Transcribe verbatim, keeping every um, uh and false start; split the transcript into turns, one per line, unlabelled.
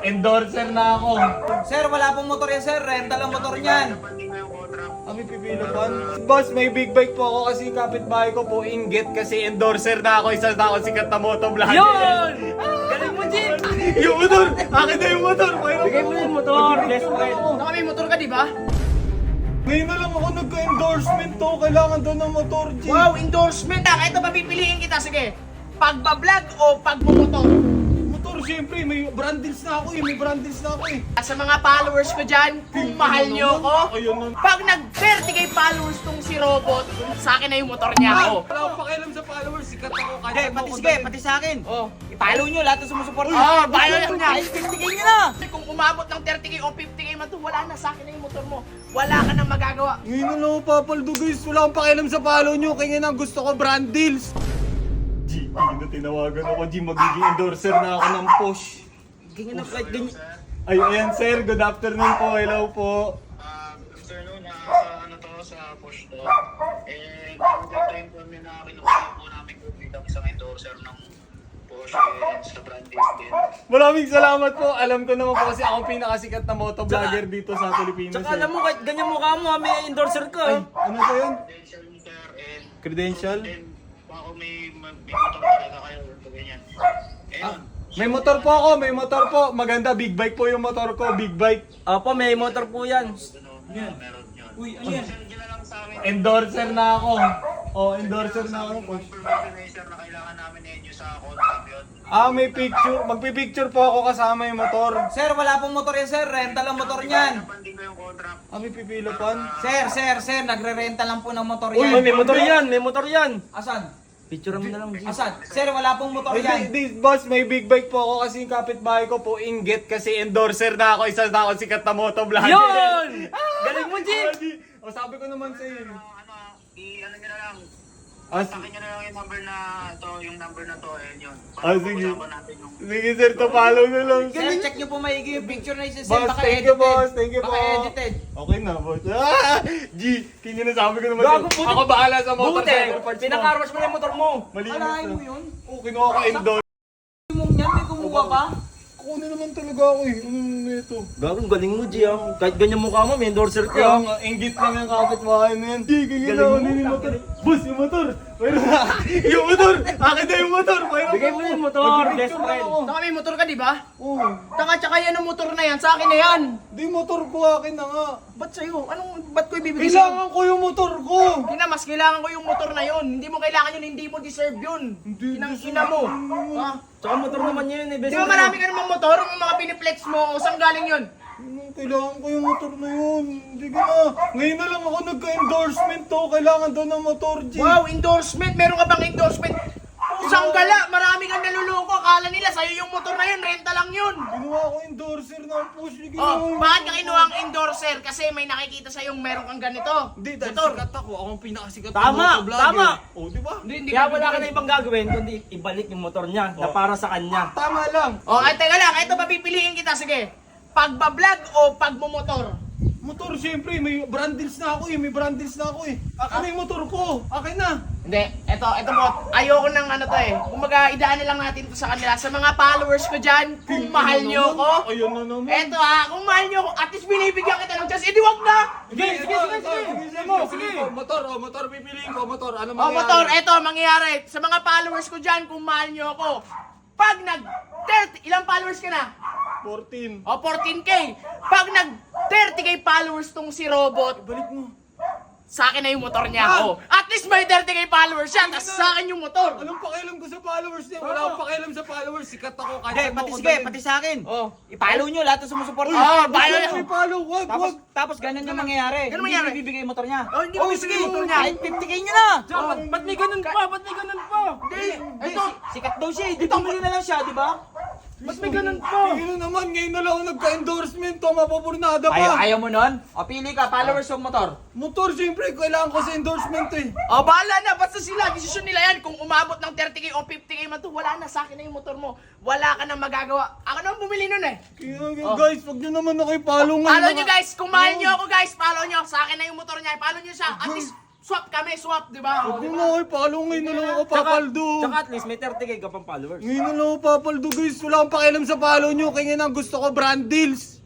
Endorser na ako.
Sir, wala pong motor yan, sir. Rental ang motor niyan.
Kami pipilo pan. Boss, may big bike po ako kasi kapitbahay ko po inggit kasi endorser na ako. Isa na ako sikat na motovlogger.
Yun! Galing mo, Jim!
Yung motor! Akin na yung motor!
Bigay mo yung motor, best friend.
Saka may motor ka, di ba?
Ngayon na lang ako nagka-endorsement to. Kailangan daw ng motor, G.
Wow, endorsement ah. Ito papipiliin kita, sige. Pagbablog o pagmumotor?
Motor, siyempre. May brand deals na ako eh. May brand deals na ako eh.
Sa mga followers ko dyan, kung mahal nyo ko,
Ayun na.
pag nag-thirty K followers tong si Robot, sa akin na yung motor niya. Oh.
Wala akong pakialam sa followers. Sikat ako. Kahit
Hindi,
ano
pati
ako
sige,
dahil.
pati sa akin. Oh, i-follow nyo lahat ng sumusuporta.
Uy,
Oh,
ba't
follow
motor
niya.
niya?
Ay, fifty K nyo na. Kung umabot ng thirty K o fifty K man to, wala na sa akin na yung motor mo. Wala ka nang magagawa.
Ngayon na lang ako papaldo, guys. Wala akong pakialam sa follow nyo. Kaya nga gusto ko brand deals. G, na tinawagan ako. G, magiging endorser na ako ng Posh.
Ganyan na, kahit ganyan.
Ay, ayan sir. Good afternoon po. Hello po.
Ah, afternoon na sa ano to sa push to. And ang time po namin na kinukuha po namin po bilang isang endorser ng push and sa brand list din.
Maraming salamat po. Alam ko naman po kasi ako ang pinakasikat na motovlogger dito sa Pilipinas.
Tsaka
eh.
alam mo, kahit ganyan mukha mo, ha, may endorser ka.
Ay,
eh.
ano to yun?
Credential ni sir and
Credential?
then baka may magbibitok talaga kayo o ganyan. Ayun.
May motor po ako. May motor po. Maganda. Big bike po yung motor ko. Big bike.
Opo, may motor po yan.
Ano, yeah. Meron yun.
Uy, ano yan?
Send nyo na lang sa amin.
Endorser na ako. Oh, endorser na ako. Posh.
Confirmation na sir na kailangan namin na yun sa contract yun.
Ah, may picture. Magpipicture po ako kasama yung motor.
Sir, wala pong motor yan, sir. Rental ang motor niyan.
Napanding ko yung contract.
Ah, may pipilo pan.
Sir, sir, sir, nagre-renta lang po ng motor
Uy,
yan.
may motor yan, may motor yan.
Asan?
Picture mo na lang, Jim.
Asan? Sir, wala pong motor
Ay,
yan.
di, di, boss, may big bike po ako kasi yung kapitbahay ko po inggit kasi endorser na ako. Isa na ako sikat na motovlogger.
Yun! Galing mo, Jim!
Ah, di- O, sabi ko naman sa iyo.
Ano, ano, i-ano nyo na lang.
Ah,
Sa akin nyo na lang yung number na to, yung number na to, and yun.
Ah,
Para
sige.
pag-usapan natin yung...
Sige sir, to follow na lang.
Sir, check nyo po maigi yung picture na isa, sir.
Boss,
Baka
thank you,
edited.
boss. Thank you,
Baka
po.
edited.
Okay na, boss. Ah, G, kanya na sabi ko naman.
Gago,
sa'yo.
buti-
Ako bahala sa motor.
Buti,
sa parts mo.
pinakarwash mo na yung motor mo.
Malinis
Alahin
na.
mo yun?
Oo, kinuha ko endorser.
Mong yan, may kumuha pa?
Kunin naman talaga ako eh. Ano ito?
Gago, galing mo, G, ah. Kahit ganyan mukha mo, may endorser ka.
Kaya nga, inggit lang yung kapitbahay na yan. G, kaya na ako yung motor. Boss, yung motor. Mayroon na. Yung motor. Akin na yung motor. Mayroon
Bigay mo yung motor, best friend.
Saka may motor ka, di ba?
Oo.
Taka, tsaka yan ang motor na yan. Sa akin na yan.
Di motor ko, akin na nga.
Ba't sa'yo? Anong, ba't ko ibibigay sa'yo?
Kailangan ko yung motor ko.
Ina, mas kailangan ko yung motor na yun. Hindi mo kailangan yun, hindi mo deserve yun.
Hindi
Inang
deserve
ina mo.
yun.
Ha?
Tsaka motor naman yun, eh, best
Di ba
friend.
marami ka namang motor? Yung mga piniplex mo, saan galing yun?
Ano, kailangan ko yung motor na yun. Hindi ka na. Ngayon na lang ako nagka-endorsement to. Kailangan daw ng motor, G.
Wow, endorsement! Meron ka bang endorsement? Pusang gala! Marami kang naluloko. Akala nila sa'yo yung motor na yun, renta lang yun.
Ginawa ko endorser ng push. Hindi
Oh,
ginawa-
bakit ka kinuha ang endorser? Kasi may nakikita sa'yo meron kang ganito.
Hindi, dahil
Motor.
sikat ako. Ako ang pinakasikat
Tama,
na motovlogger.
tama.
Oh, di ba?
Hindi, hindi
Kaya
ka
wala ka
bibigyan.
na ibang gagawin, kundi ibalik yung motor niya na
Oh.
para sa kanya.
Tama lang.
Oh, ay teka lang. Ito papipiliin kita. Sige. Pagbablog o pagmumotor?
Motor, siyempre. May brand deals na ako eh. May brand deals na ako eh. Akin na yung motor ko. Akin na.
Hindi. Ito, ito mo. Ayoko ng ano to eh. Kumaga, idaan na lang natin ito sa kanila. Sa mga followers ko dyan, kung mahal nyo ko.
Ayun na naman.
Eto ha, kung mahal nyo ko, at least binibigyan kita ng chance, edi wag na!
Sige, sige, sige, sige.
Sige
Sige,
mo,
sige.
sige.
Motor, oh, motor. Pipiliin ko, motor. Ano
O
mangyayari?
motor, eto, mangyayari. Sa mga followers ko dyan, kung mahal nyo ako, pag nag thirty, ilang followers ka na?
fourteen.
O, fourteen K. Pag nag thirty K followers tong si Robot,
Balik mo.
sa akin na yung motor niya.
Ah!
O, at least may thirty K followers siya, tas sa akin yung motor.
Anong pakialam ko sa followers niya? Wala akong pakialam sa followers. Sikat ako. Kahit
Hindi,
saan mo
pati
ako
sige,
dalhin.
pati sa akin.
Oh.
I-follow nyo lahat ng sumusuporta.
Uy,
Oo,
wag
follow
lang
nyo.
may follow. Wag,
Tapos,
wag.
tapos ganun yung mangyayari.
Ganun
Hindi
mangyayari?
mo ibibigay yung motor niya.
Oh, hindi mo
Oh,
ibibigay
sige,
yung motor niya.
Kahit fifty K nyo na.
Tsaka, ba't, ba't may ganun pa? Ba't may ganun pa?
Hindi,
Ito,
ito.
sikat daw siya, eh. Di bumili na lang siya, di ba?
Ba't may ganun pa?
Tingnan naman, ngayon na lang ako nagka-endorsement to. Mapapurnada pa.
Ayaw, ayaw mo nun? O pili ka, followers o motor?
Motor, siyempre, kailangan ko sa endorsement eh.
O bahala na, basta sila, desisyon nila yan. Kung umabot ng thirty K o fifty K man to, wala na, sa akin na yung motor mo. Wala ka nang magagawa. Ako naman bumili nun eh.
Kaya,
Oh.
guys, wag nyo naman ako i-follow ngayon.
Follow
mga-
nyo guys, kung mahal nyo ako guys, follow nyo. Sa akin na yung motor niya, follow nyo siya. At least, Swap kami, swap, di ba?
Huwag nyo na kayo, follow ngayon na lang ako papaldo.
Tsaka at least may thirty K ka pang followers.
Ngayon na lang ako papaldo guys. Wala akong pakialam sa follow nyo. Kaya nga gusto ko brand deals.